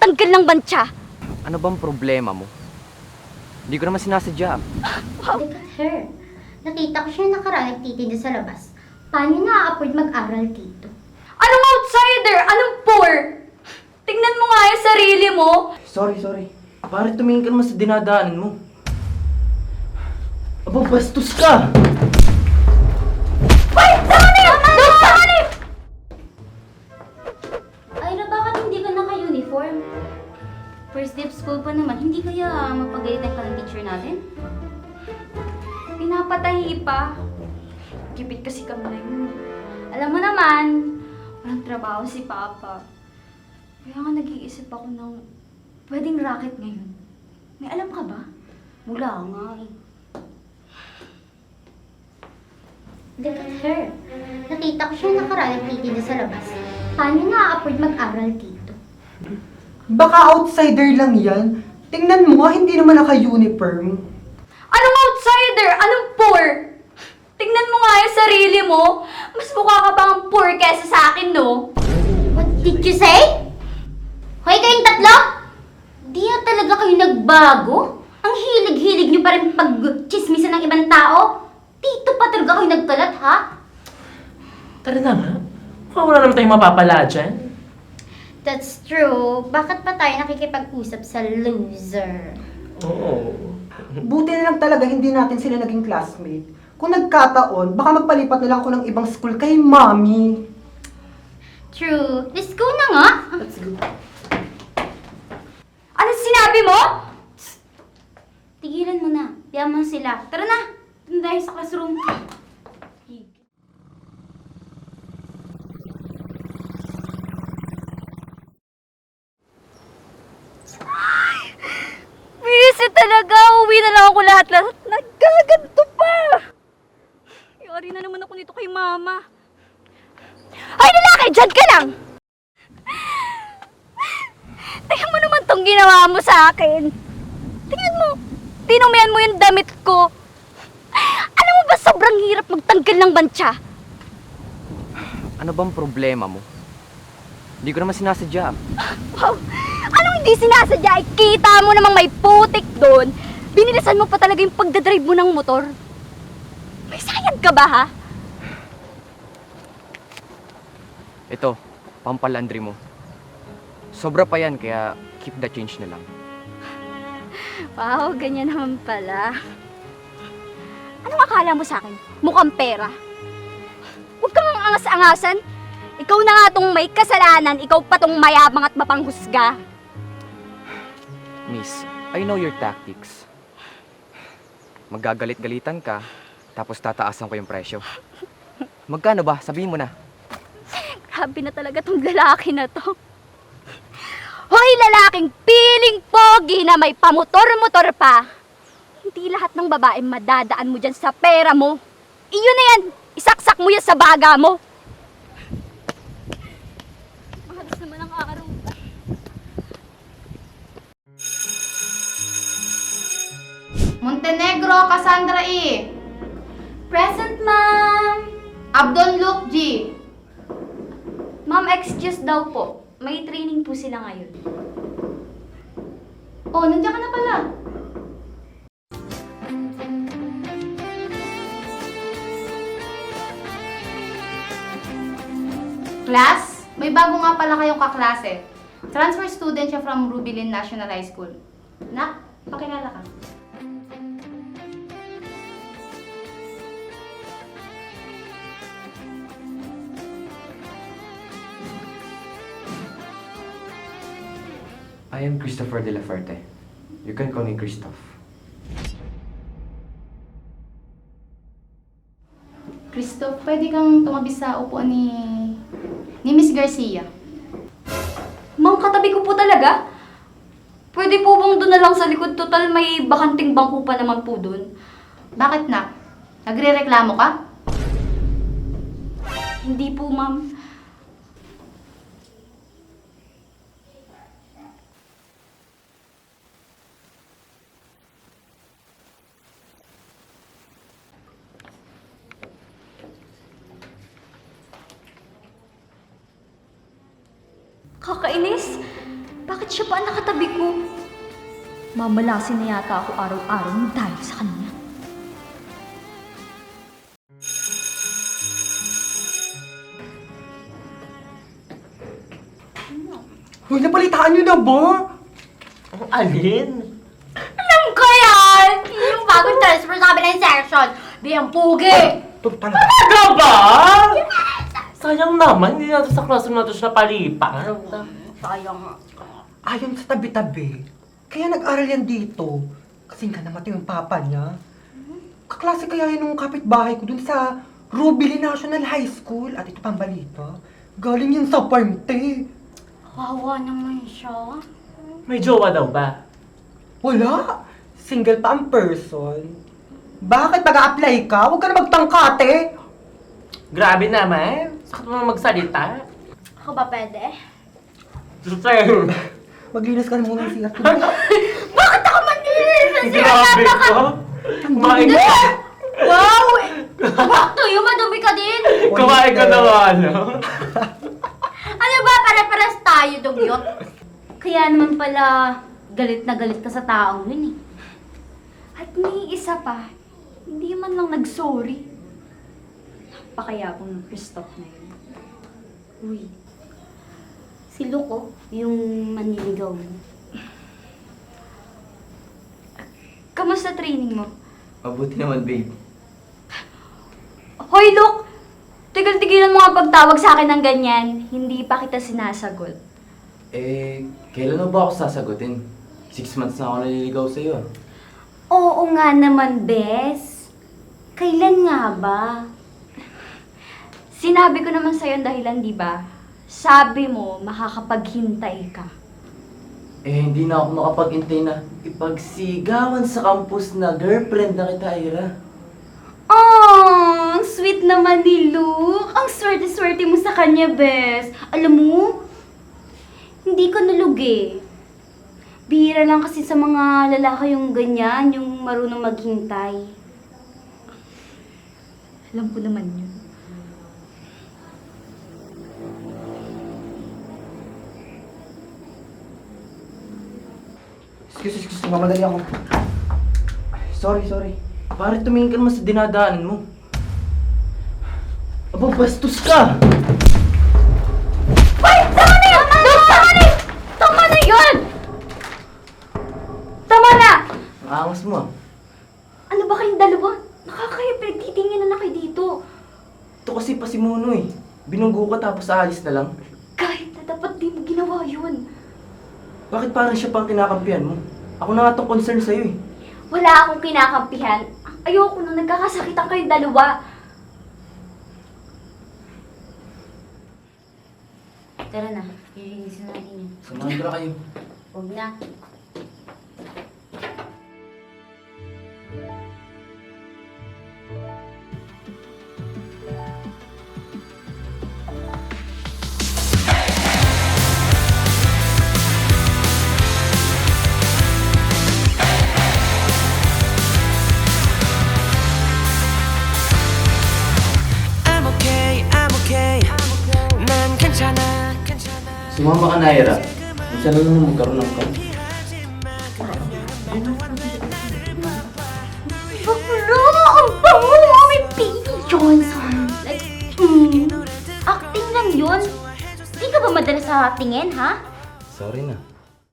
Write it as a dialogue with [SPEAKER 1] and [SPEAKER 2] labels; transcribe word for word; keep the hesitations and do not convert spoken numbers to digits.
[SPEAKER 1] magtanggal ng bantya.
[SPEAKER 2] Ano bang problema mo? Hindi ko naman sinasadya.
[SPEAKER 3] Look at her. Nakita ko siya nakaraan nagtitinda sa labas. Paano na-afford mag-aral dito?
[SPEAKER 1] Anong outsider? Anong poor? Tingnan mo nga yung sarili mo.
[SPEAKER 2] Sorry, sorry. Bakit tumingin ka naman sa dinadaanan mo? Aba, bastos ka!
[SPEAKER 1] Wait! Saan na yun? Doon! Saan na yun?
[SPEAKER 3] Ira, bakit hindi ka naka-uniform? First day of school pa naman, hindi kaya mapagalitan ka ng teacher natin?
[SPEAKER 1] Pinapatahi pa. Gipit kasi kami na yun. Alam mo naman, walang trabaho si Papa. Kaya nga nag-iisip ako ng pwedeng racket ngayon. May alam ka ba?
[SPEAKER 3] Wala nga eh. Look at her. Nakita ko siya nakaraan nagtitinda sa labas. Paano na-afford mag-aral dito?
[SPEAKER 4] Baka outsider lang yan. Tingnan mo, hindi naman naka-uniform.
[SPEAKER 1] Anong outsider? Anong poor? Tingnan mo nga yung sarili mo. Mas mukha ka pang poor kesa sa akin, no?
[SPEAKER 3] What did you say? Hoy kayong tatlo! Di na talaga kayo nagbago? Ang hilig-hilig niyo pa rin pag-chismisan ng ibang tao? Dito pa talaga kayo nagkalat, ha?
[SPEAKER 5] Tara na nga. Mukhang wala naman tayong mapapala dyan.
[SPEAKER 3] That's true. Bakit pa tayo nakikipag-usap sa loser?
[SPEAKER 5] Oo.
[SPEAKER 4] Buti na lang talaga hindi natin sila naging classmate. Kung nagkataon, baka magpalipat na lang ako ng ibang school kay mommy.
[SPEAKER 3] True. Let's go na nga.
[SPEAKER 4] Let's go.
[SPEAKER 1] Ano sinabi mo?
[SPEAKER 3] Tigilan mo na. Yaman sila. Tara na. Doon tayo sa classroom.
[SPEAKER 1] Busy talaga. Uwi na lang ako lahat-lahat. Nagkaganto pa. Yari na naman ako nito kay Mama. Ay, lalaki! Diyan ka lang! Tingnan mo naman tong ginawa mo sa akin. Tingnan mo. Tinumihan mo yung damit ko. Alam mo ba sobrang hirap magtanggal ng bantya?
[SPEAKER 2] Ano bang problema mo? Hindi ko naman sinasadya.
[SPEAKER 1] Wow! Anong hindi sinasadya? Ay, kita mo namang may putik doon. Binilisan mo pa talaga yung pagdadrive mo ng motor. May sayang ka ba, ha?
[SPEAKER 2] Ito, pampalandri mo. Sobra pa yan, kaya keep the change na lang.
[SPEAKER 1] Wow, ganyan naman pala. Anong akala mo sa akin? Mukhang pera. Huwag kang ang angas-angasan. Ikaw na nga tong may kasalanan, ikaw pa tong mayabang at mapanghusga.
[SPEAKER 2] Miss, I know your tactics. Magagalit-galitan ka, tapos tataasan ko yung presyo. Magkano ba? Sabihin mo na.
[SPEAKER 1] Grabe na talaga tong lalaki na to. Hoy, lalaking piling pogi na may pamotor-motor pa. Hindi lahat ng babae madadaan mo dyan sa pera mo. Iyon na yan. Isaksak mo yan sa baga mo. Mahalos naman ang araw.
[SPEAKER 6] Montenegro, Cassandra E.
[SPEAKER 1] Present, ma'am.
[SPEAKER 6] Abdon Luke G.
[SPEAKER 1] Ma'am, excuse daw po. May training po sila ngayon.
[SPEAKER 6] Oh, nandiyan ka na pala. Class, may bago nga pala kayong kaklase. Transfer student siya from Rubilin National High School. Nak, pakilala ka.
[SPEAKER 2] I am Christopher de la Fuerte. You can call me Christoph.
[SPEAKER 6] Christoph, pwede kang tumabi sa upuan ni... ni Miss Garcia.
[SPEAKER 1] Ma'am, katabi ko po talaga. Pwede po bang doon na lang sa likod? Total, may bakanting bangko pa naman po doon.
[SPEAKER 6] Bakit na? Nagre-reklamo ka?
[SPEAKER 1] Hindi po, ma'am. Kakainis. Bakit siya pa ang nakatabi ko? Mamalasin na yata ako araw-araw ng dahil sa kanya.
[SPEAKER 4] Hoy, napalitaan niyo na ba?
[SPEAKER 5] Ang alin?
[SPEAKER 3] Alam ko yan! Yung bagong transfer sa kabilang section. Di ang pugi!
[SPEAKER 4] Ito talaga.
[SPEAKER 5] Talaga ba? Sayang naman, hindi natin sa classroom natin siya palipan.
[SPEAKER 3] Sayang.
[SPEAKER 4] Ayon sa tabi-tabi. Kaya nag-aral yan dito. Kasi nga namatay yung papa niya. Kaklase kaya yun ng kapitbahay ko dun sa Rubilin National High School. At ito pang balita. Galing yun sa party.
[SPEAKER 3] Wawa naman siya.
[SPEAKER 5] May jowa daw ba?
[SPEAKER 4] Wala. Single pa ang person. Bakit pag-a-apply ka? Huwag ka na magtangkate.
[SPEAKER 5] Grabe naman. Sakit mo naman magsalita.
[SPEAKER 3] Ako ba pwede?
[SPEAKER 5] Sir,
[SPEAKER 4] Maglinis ka na muna ng C R.
[SPEAKER 3] Bakit ako manilinis?
[SPEAKER 5] grabe ko. Kumain ka.
[SPEAKER 3] Wow! Back to you, madumi ka din!
[SPEAKER 5] Kumain ka na nga, ano?
[SPEAKER 3] Ano ba, pare-pares tayo, dugyot? Kaya naman pala, galit na galit ka sa taong yun eh.
[SPEAKER 1] At may isa pa, hindi man lang nag-sorry. Napakayabong ng Christoph na yun.
[SPEAKER 3] Uy, si Luko, yung manliligaw mo.
[SPEAKER 1] Kamusta training mo?
[SPEAKER 2] Mabuti naman, babe.
[SPEAKER 1] Hoy, Luke! Tigil-tigilan mo nga pagtawag sa akin ng ganyan. Hindi pa kita sinasagot.
[SPEAKER 2] Eh, kailan mo ba ako sasagutin? Six months na ako naliligaw sa'yo. ah.
[SPEAKER 3] Oo nga naman, Bes. Kailan nga ba?
[SPEAKER 1] Sinabi ko naman sa'yo ang dahilan, di ba? Sabi mo, makakapaghintay ka.
[SPEAKER 2] Eh, hindi na ako makapag-intay na ipagsigawan sa campus na girlfriend na kita, Ira.
[SPEAKER 3] Oh, ang sweet naman ni Luke. Ang swerte-swerte mo sa kanya, Bes. Alam mo, hindi ko nalugi. Bihira lang kasi sa mga lalaki yung ganyan, yung marunong maghintay.
[SPEAKER 1] Alam ko naman yun.
[SPEAKER 4] Excuse, excuse, mamadali ako.
[SPEAKER 2] Sorry, sorry. Pare, tumingin ka naman sa dinadaanan mo. Aba, bastos ka!
[SPEAKER 1] Hoy! Tama na yun! Tama na yun! Tama na yun! Tama na!
[SPEAKER 2] Ang angas mo ah.
[SPEAKER 1] Ano ba kayong dalawa? Nakakaya pinagtitinginan na kayo dito.
[SPEAKER 2] Ito kasi pa si Muno eh. Binunggo ka tapos aalis na lang.
[SPEAKER 1] Kahit na dapat di mo ginawa yun.
[SPEAKER 2] Bakit parang siya pang kinakampihan mo? Ako na nga itong concern sa'yo eh.
[SPEAKER 1] Wala akong kinakampihan. Ayoko nung nagkakasakitan kayong dalawa.
[SPEAKER 3] Tara na, lilinisin natin yun.
[SPEAKER 2] Samahan ko na kayo.
[SPEAKER 3] Huwag na.
[SPEAKER 7] I'm okay, I'm okay. 난 괜찮아, 괜찮아.
[SPEAKER 2] Sumama ka na, Ira. Minsan na lang magkaroon ng kamp.
[SPEAKER 3] Bakla! Ang bango! May baby Johnson! Like, mm, acting lang yun. Di ka ba madalas sa tingin, ha?
[SPEAKER 2] Sorry na.